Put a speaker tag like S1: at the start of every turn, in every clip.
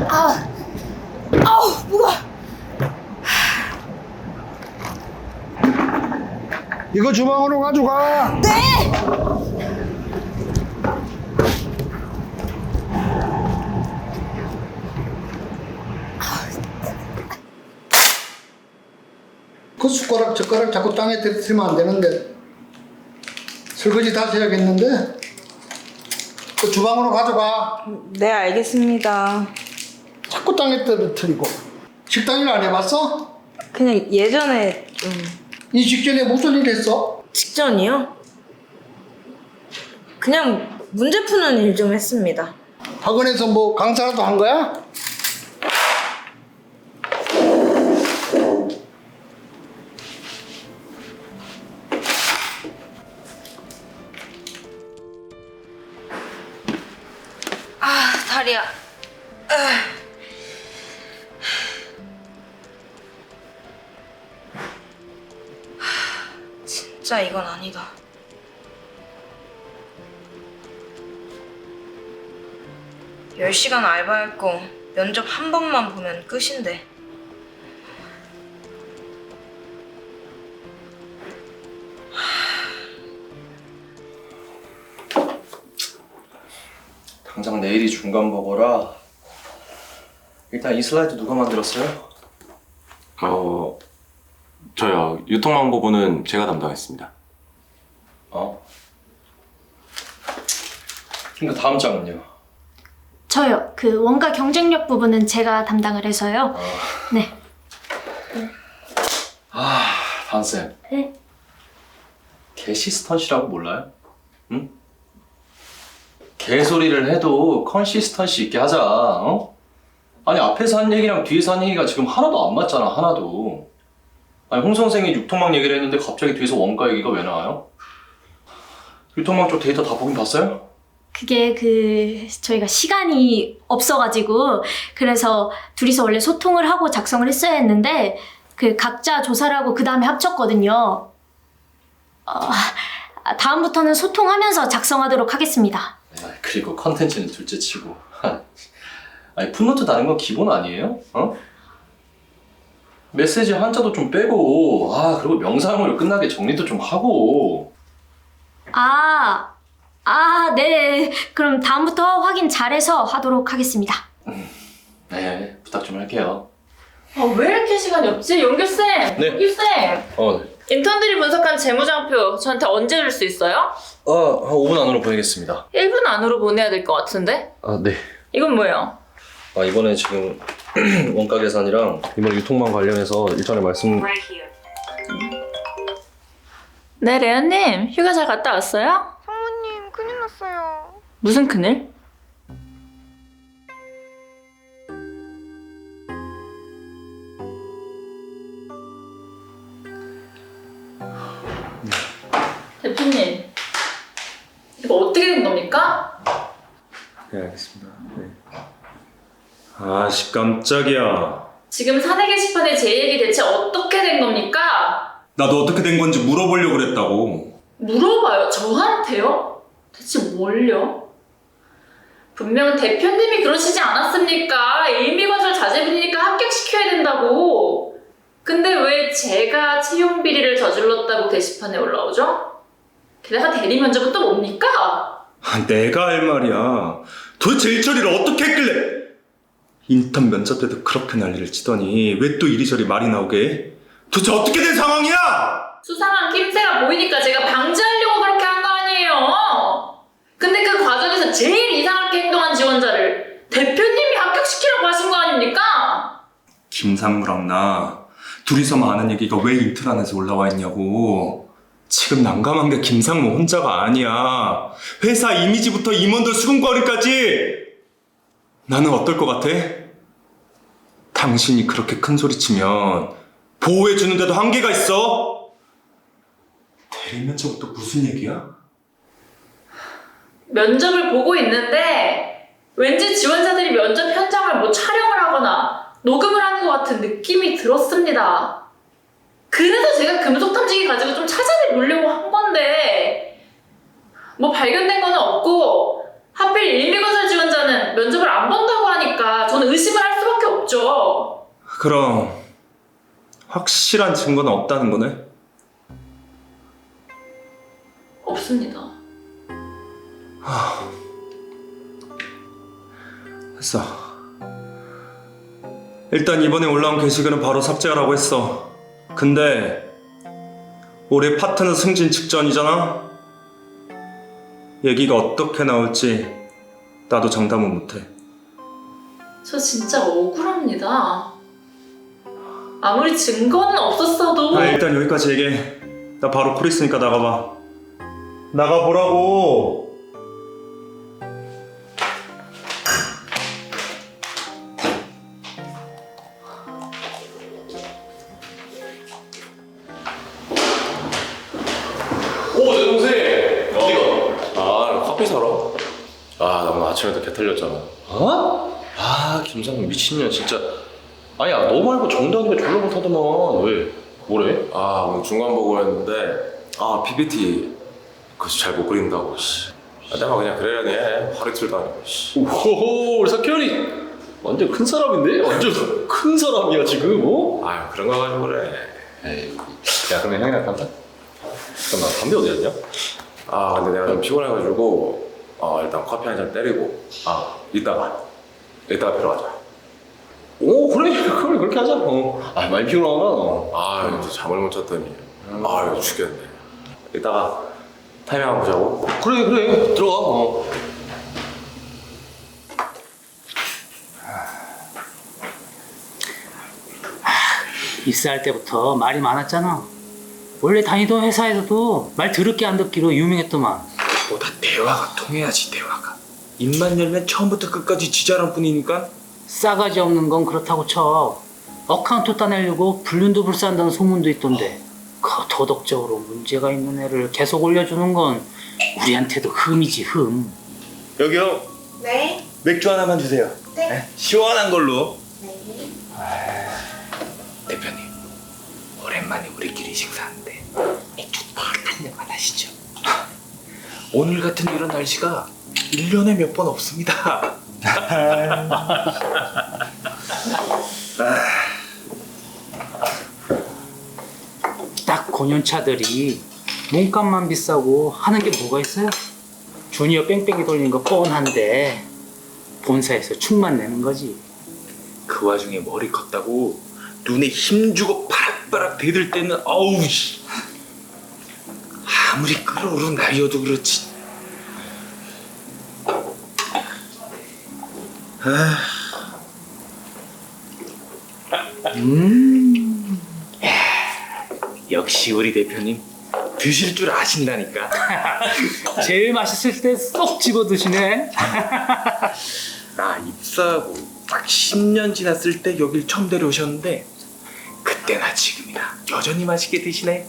S1: 아우, 무거워.
S2: 이거 주방으로 가져가.
S1: 네!
S2: 그 숟가락 젓가락 자꾸 땅에 떨어뜨리면 안 되는데. 설거지 다시 해야겠는데. 그 주방으로 가져가.
S1: 네, 알겠습니다.
S2: 자꾸 땅에 떨어뜨리고. 식당 일 안 해봤어?
S1: 그냥 예전에
S2: 이 직전에 무슨 일 했어?
S1: 직전이요? 그냥 문제 푸는 일 좀 했습니다.
S2: 학원에서 뭐 강사라도 한 거야?
S1: 아, 다리야. 진짜 이건 아니다. (10시간) 알바했고 면접 한 번만 보면 끝인데.
S3: 당장 내일이 중간 보고라. 일단 이 슬라이드 누가 만들었어요?
S4: 저요. 유통망 부분은 제가 담당했습니다.
S3: 그러니까 다음 장은요?
S5: 저요. 그 원가 경쟁력 부분은 제가 담당을 해서요. 네.
S3: 반쌤.
S5: 네.
S3: 개시스턴시라고 몰라요? 응? 개소리를 해도 컨시스턴시 있게 하자, 어? 아니, 앞에서 한 얘기랑 뒤에서 한 얘기가 지금 하나도 안 맞잖아, 하나도. 아니, 홍 선생이 유통망 얘기를 했는데 갑자기 뒤에서 원가 얘기가 왜 나와요? 유통망 쪽 데이터 다 보긴 봤어요?
S5: 그게 저희가 시간이 없어가지고 그래서 둘이서 원래 소통을 하고 작성을 했어야 했는데 그 각자 조사를 하고 그 다음에 합쳤거든요. 다음부터는 소통하면서 작성하도록 하겠습니다.
S3: 그리고 컨텐츠는 둘째 치고. 아니, 풋노트 다는 건 기본 아니에요? 어? 메시지 한자도 좀 빼고, 그리고 명사형으로 끝나게 정리도 좀 하고.
S5: 네. 그럼 다음부터 확인 잘해서 하도록 하겠습니다.
S3: 네, 부탁 좀 할게요.
S6: 왜 이렇게 시간이 없지? 용규쌤!
S3: 네.
S6: 용규쌤! 인턴들이 분석한 재무장표 저한테 언제 줄 수 있어요?
S3: 한 5분 안으로 보내겠습니다.
S6: 1분 안으로 보내야 될 것 같은데?
S3: 네.
S6: 이건 뭐예요?
S3: 이번에 지금 원가 계산이랑 이번에 유통망 관련해서 일전에 말씀.
S6: 네, 레연님. 휴가 잘 갔다 왔어요?
S7: 상무님, 큰일 났어요.
S6: 무슨 큰일? 대표님, 이거 어떻게 된 겁니까?
S4: 네, 알겠습니다. 네. 깜짝이야.
S6: 지금 사내 게시판에 제 얘기 대체 어떻게 된 겁니까?
S4: 나도 어떻게 된 건지 물어보려고 그랬다고.
S6: 물어봐요. 저한테요? 대체 뭘요? 분명 대표님이 그러시지 않았습니까? 일미건설 자제분이니까 합격시켜야 된다고. 근데 왜 제가 채용 비리를 저질렀다고 게시판에 올라오죠? 게다가 대리 면접은 또 뭡니까?
S4: 내가 할 말이야. 도대체 일처리를 어떻게 했길래? 인턴 면접 때도 그렇게 난리를 치더니 왜 또 이리저리 말이 나오게 해? 도대체 어떻게 된 상황이야?
S6: 수상한 낌새가 보이니까 제가 방지하려고 그렇게 한 거 아니에요. 근데 그 과정에서 제일 이상하게 행동한 지원자를 대표님이 합격시키라고 하신 거 아닙니까?
S4: 김상무랑 나 둘이서만 아는 얘기가 왜 인트란에서 올라와 있냐고. 지금 난감한 게 김상무 혼자가 아니야. 회사 이미지부터 임원들 수긍거리까지. 나는 어떨 것 같아? 당신이 그렇게 큰 소리 치면 보호해주는데도 한계가 있어? 대리면접은 또 무슨 얘기야?
S6: 면접을 보고 있는데 왠지 지원자들이 면접 현장을 뭐 촬영을 하거나 녹음을 하는 것 같은 느낌이 들었습니다. 그래서 제가 금속 탐지기 가지고 좀 찾아내보려고 한 건데 뭐 발견된 거는 없고 하필 일미건설 지원자는 면접을 안 본다고 하니까 저는 의심을
S4: 그럼 확실한 증거는 없다는 거네?
S6: 없습니다.
S4: 했어. 일단 이번에 올라온 게시글은 바로 삭제하라고 했어. 근데 올해 파트너 승진 직전이잖아? 얘기가 어떻게 나올지 나도 장담은 못해.
S6: 저 진짜 억울합니다. 아무리 증거는 없었어도
S4: 일단 여기까지 얘기해. 나 바로 콜 있으니까 나가봐. 나가보라고.
S3: 오, 내 동생! 어디가? 나 커피 사러. 나 오늘 아침에도 개 털렸잖아. 어? 김상민 미친년 진짜. 아니야, 너 말고 정다은이가 졸라 못하더만. 왜? 뭐래?
S8: 오늘 중간 보고였는데 PPT 그거 잘 못 그린다고 씨. 내가 그냥 그러려니 해. 하루 이틀도 아니고 씨.
S3: 오호호, 우리 석현이 완전 큰 사람인데? 완전 큰 사람이야 지금, 어?
S8: 그런 거 가지고 그래.
S3: 에이, 야 그러면 형이랑 담배? 그럼 나 담배 어디 갔냐?
S8: 근데 내가 좀 피곤해가지고 일단 커피 한 잔 때리고 이따가 뵈러 가자.
S3: 오, 그래 그렇게 하자. 많이 피곤하구나.
S8: 이제 잠을 못 잤더니 이거 죽겠네. 이따가 타이밍 한번 보자고.
S3: 그래 들어가.
S9: 입사할 때부터 말이 많았잖아. 원래 다니던 회사에서도 말 더럽게 안 듣기로 유명했더만.
S4: 보다 대화가 통해야지, 대화가. 입만 열면 처음부터 끝까지 지자란 뿐이니까.
S9: 싸가지 없는 건 그렇다고 쳐. 어카운트 따내려고 불륜도 불사한다는 소문도 있던데, 그 도덕적으로 문제가 있는 애를 계속 올려주는 건 우리한테도 흠이지, 흠.
S4: 여기요.
S1: 네?
S4: 맥주 하나만 주세요.
S1: 네.
S4: 시원한 걸로.
S10: 대표님, 오랜만에 우리끼리 식사하는데 맥주 한 잔만 하시죠. 오늘 같은 이런 날씨가 1년에 몇 번 없습니다.
S9: 딱 고년차들이 몸값만 비싸고 하는 게 뭐가 있어요? 주니어 뺑뺑이 돌리는 거 뻔한데 본사에서 충만 내는 거지.
S10: 그 와중에 머리 컸다고 눈에 힘주고 바락바락 대들 때는 어우 씨. 아무리 끓어오른 날이어도 그렇지. 역시 우리 대표님 드실 줄 아신다니까.
S9: 제일 맛있을 때 쏙 집어 드시네.
S10: 나 입사하고 딱 10년 지났을 때 여길 처음 데려오셨는데 그때나 지금이나 여전히 맛있게 드시네.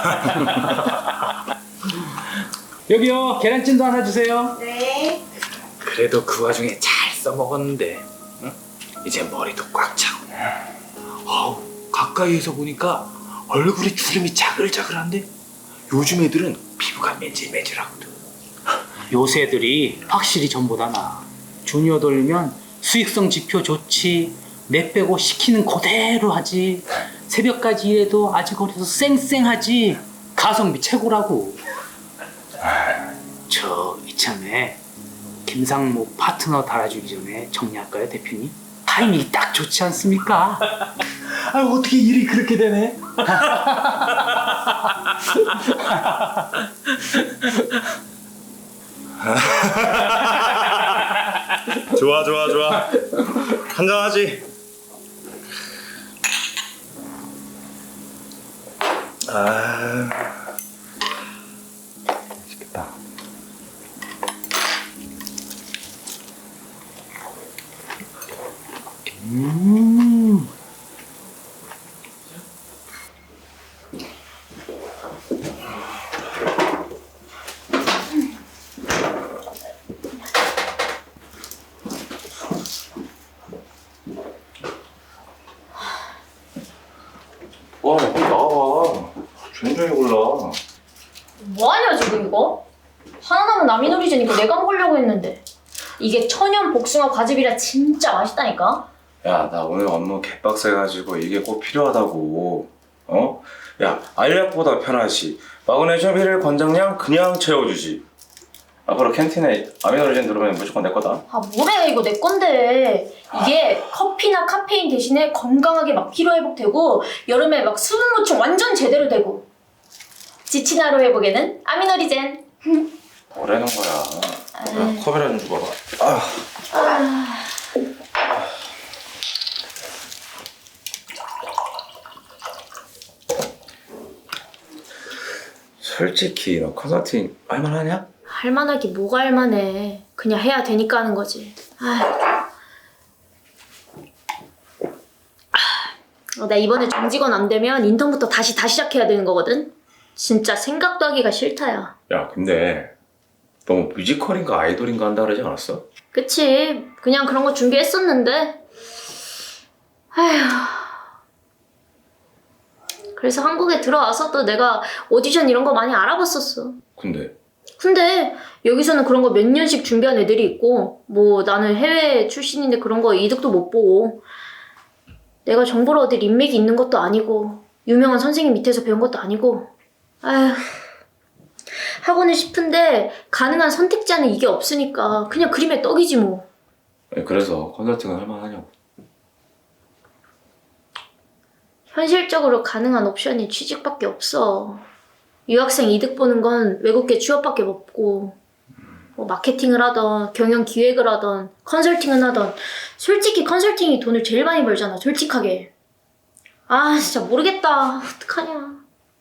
S9: 여기요, 계란찜도 하나 주세요.
S1: 네.
S10: 그래도 그 와중에 잘 써먹었는데 응? 이제 머리도 꽉 차고 가까이에서 보니까 얼굴에 주름이 자글자글한데 요즘 애들은 피부가 매질매질하거든.
S9: 요새 애들이 확실히 전보다 나아. 주니어 돌리면 수익성 지표 좋지, 내 빼고 시키는 그대로 하지, 새벽까지 일해도 아직 어려서 쌩쌩하지, 가성비 최고라고. 저 이참에 김상목 파트너 달아주기 전에 정리할까요, 대표님? 타이밍이 딱 좋지 않습니까?
S10: 어떻게 일이 그렇게 되네?
S4: 좋아. 한잔하지. 맛있겠다.
S3: 와, 빨리 나와봐. 조용히 골라.
S5: 뭐하냐 지금 이거? 하나 남은 남이놀이지니까 내가 먹으려고 했는데 이게 천연 복숭아 과즙이라 진짜 맛있다니까?
S8: 야, 나 오늘 업무 개빡세가지고 이게 꼭 필요하다고. 어? 야, 알약보다 편하지. 마그네슘 1일 권장량 그냥 채워주지. 앞으로 캔틴에 아미노리젠 들어오면 무조건 내 거다.
S5: 아 뭐래 이거 내 건데. 이게 커피나 카페인 대신에 건강하게 막 피로회복되고 여름에 막 수분 보충 완전 제대로 되고 지친 하루 회복에는 아미노리젠.
S8: 뭐라는 거야. 야, 컵이라 좀 줘봐봐. 솔직히 너 컨설팅 할만하냐?
S5: 할만하기 뭐가 할만해. 그냥 해야 되니까 하는 거지. 나 이번에 정직원 안 되면 인턴부터 다시 시작해야 되는 거거든. 진짜 생각도 하기가 싫다야.
S8: 야, 근데 너 뮤지컬인가 아이돌인가 한다 그러지 않았어?
S5: 그치. 그냥 그런 거 준비했었는데. 아휴. 그래서 한국에 들어와서 또 내가 오디션 이런 거 많이 알아봤었어. 근데 여기서는 그런 거 몇 년씩 준비한 애들이 있고 뭐 나는 해외 출신인데 그런 거 이득도 못 보고 내가 정보를 얻을 인맥이 있는 것도 아니고 유명한 선생님 밑에서 배운 것도 아니고 아휴 하고는 싶은데 가능한 선택지에는 이게 없으니까 그냥 그림의 떡이지 뭐.
S8: 그래서 컨설팅은 할만하냐고.
S5: 현실적으로 가능한 옵션이 취직밖에 없어. 유학생 이득 보는 건 외국계 취업밖에 없고 뭐 마케팅을 하던 경영 기획을 하던 컨설팅을 하던 솔직히 컨설팅이 돈을 제일 많이 벌잖아 솔직하게. 아 진짜 모르겠다. 어떡하냐.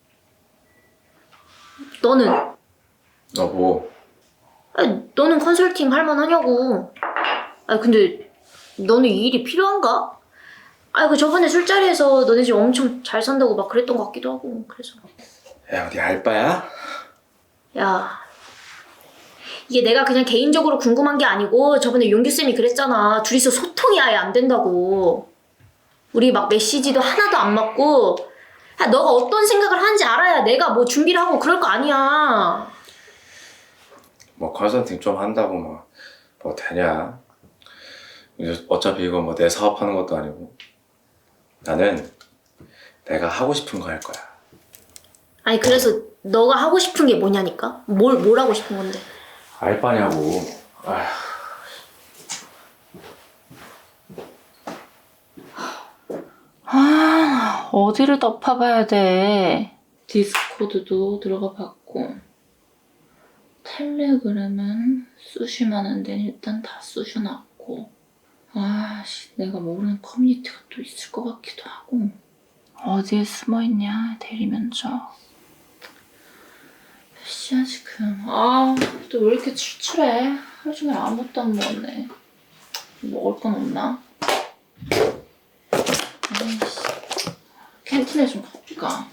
S5: 너는?
S8: 나 뭐?
S5: 아니, 너는 컨설팅 할만하냐고. 아니 근데 너는 이 일이 필요한가? 아이고 저번에 술자리에서 너네 집 엄청 잘 산다고 막 그랬던 것 같기도 하고 그래서.
S8: 야, 어디 알바야?
S5: 야 이게 내가 그냥 개인적으로 궁금한 게 아니고 저번에 용규쌤이 그랬잖아. 둘이서 소통이 아예 안 된다고. 우리 막 메시지도 하나도 안 맞고. 야, 너가 어떤 생각을 하는지 알아야 내가 뭐 준비를 하고 그럴 거 아니야.
S8: 뭐 컨설팅 좀 한다고 뭐 되냐? 이제 어차피 이거 뭐 내 사업하는 것도 아니고. 나는 내가 하고 싶은 거 할 거야.
S5: 아니 그래서 너가 하고 싶은 게 뭐냐니까? 뭘 하고 싶은 건데?
S8: 알바냐고.
S6: 어디를 덮어봐야 돼. 디스코드도 들어가 봤고 텔레그램은 쑤시면 데는 일단 다 쑤셔놨고 내가 모르는 커뮤니티가 또 있을 것 같기도 하고 어디에 숨어있냐 대리면접 몇 시야 지금. 또 왜 이렇게 출출해. 하루 종일 아무것도 안 먹었네. 먹을 건 없나? 캔틴에 좀 가볼까?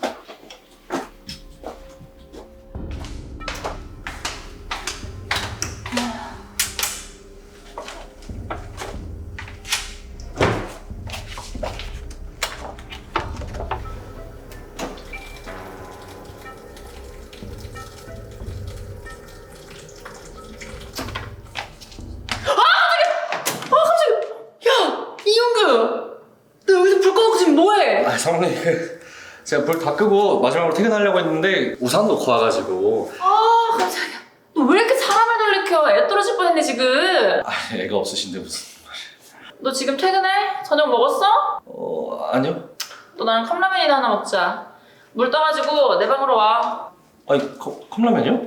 S3: 사모님 제가 불 다 끄고 마지막으로 퇴근하려고 했는데 우산 놓고 와가지고.
S6: 깜짝이야. 너 왜 이렇게 사람을 놀래켜? 애 떨어질 뻔했네 지금.
S3: 애가 없으신데 무슨.
S6: 너 지금 퇴근해? 저녁 먹었어?
S3: 아니요.
S6: 너 나랑 컵라면이나 하나 먹자. 물 떠가지고 내 방으로 와.
S3: 아니 컵라면이요?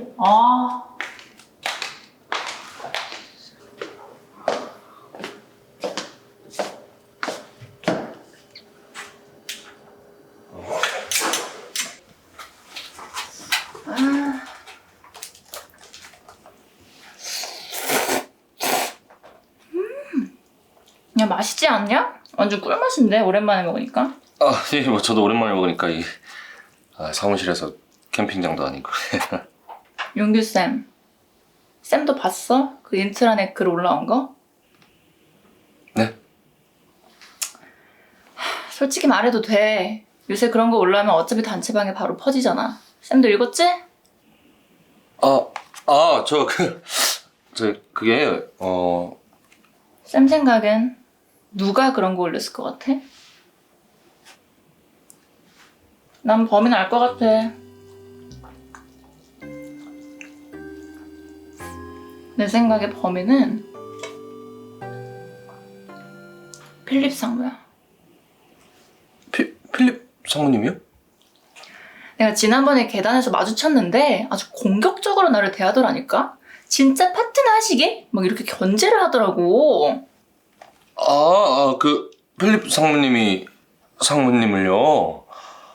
S6: 야 맛있지 않냐? 완전 꿀맛인데 오랜만에 먹으니까.
S3: 예, 뭐 저도 오랜만에 먹으니까 사무실에서 캠핑장도 아니고.
S6: 용규쌤, 쌤도 봤어? 그 인트라넷 글 올라온 거?
S3: 네?
S6: 솔직히 말해도 돼. 요새 그런 거 올라오면 어차피 단체방에 바로 퍼지잖아. 쌤도 읽었지?
S3: 그게
S6: 쌤 생각엔 누가 그런 거 올렸을 것 같아? 난 범인 알 것 같아. 내 생각에 범인은 필립 상무야.
S3: 필립 상무님이요?
S6: 내가 지난번에 계단에서 마주쳤는데 아주 공격적으로 나를 대하더라니까? 진짜 파트너 하시게? 막 이렇게 견제를 하더라고.
S3: 그 필립 상무님을요?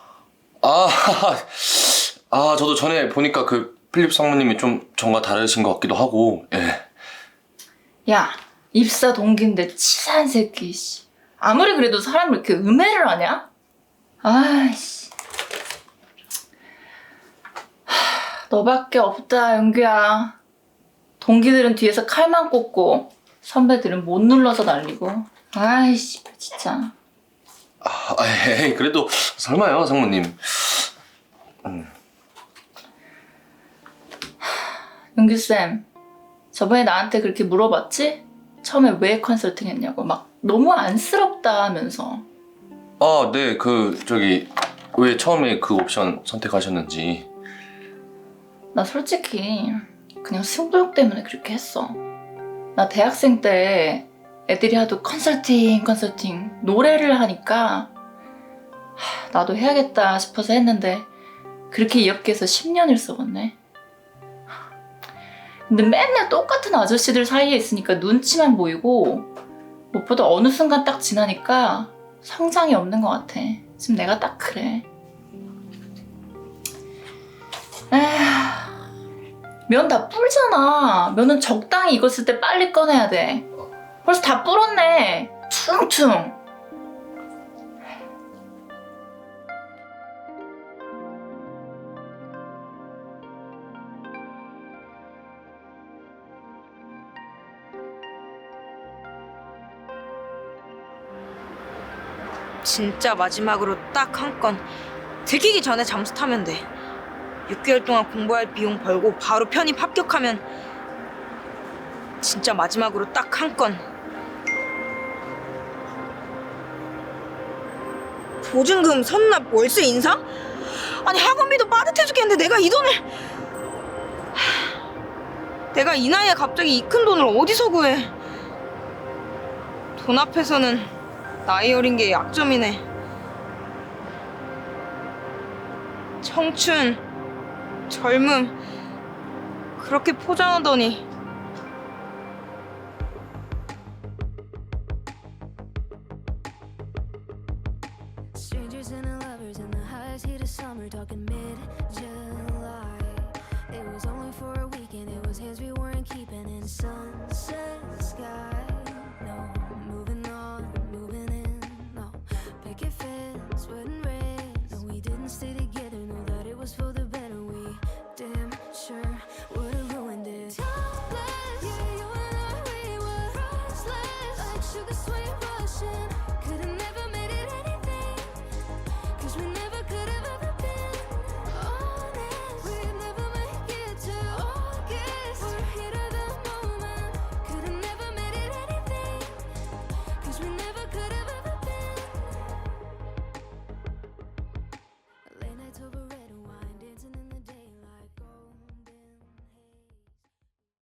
S3: 저도 전에 보니까 그 필립 상무님이 좀 전과 다르신 것 같기도 하고, 예.
S6: 야, 입사 동기인데 치사한 새끼, 씨. 아무리 그래도 사람을 이렇게 음해를 하냐? 아이씨. 너밖에 없다, 연규야. 동기들은 뒤에서 칼만 꽂고 선배들은 못 눌러서 날리고. 아이씨, 진짜.
S3: 에이, 그래도 설마요, 상무님.
S6: 연규쌤, 저번에 나한테 그렇게 물어봤지? 처음에 왜 컨설팅 했냐고. 막 너무 안쓰럽다 하면서.
S3: 네, 왜 처음에 그 옵션 선택하셨는지.
S6: 나 솔직히 그냥 승부욕 때문에 그렇게 했어. 나 대학생 때 애들이 하도 컨설팅 노래를 하니까 나도 해야겠다 싶어서 했는데 그렇게 이 업계에서 10년을 써봤네. 근데 맨날 똑같은 아저씨들 사이에 있으니까 눈치만 보이고 무엇보다 어느 순간 딱 지나니까 성장이 없는 것 같아. 지금 내가 딱 그래. 면 다 불잖아. 면은 적당히 익었을 때 빨리 꺼내야 돼. 벌써 다 불었네. 퉁퉁.
S1: 진짜 마지막으로 딱 한 건. 들키기 전에 잠수 타면 돼. 6개월 동안 공부할 비용 벌고 바로 편입 합격하면 진짜 마지막으로 딱 한 건. 보증금, 선납, 월세 인상? 아니 학원비도 빠듯해 죽겠는데 내가 이 돈을... 내가 이 나이에 갑자기 이 큰 돈을 어디서 구해. 돈 앞에서는 나이 어린 게 약점이네. 청춘, 젊음 그렇게 포장하더니
S11: Strangers and lovers in the highest heat of summer, talking mid-July. It was only for a weekend, it was hands we weren't keeping in some.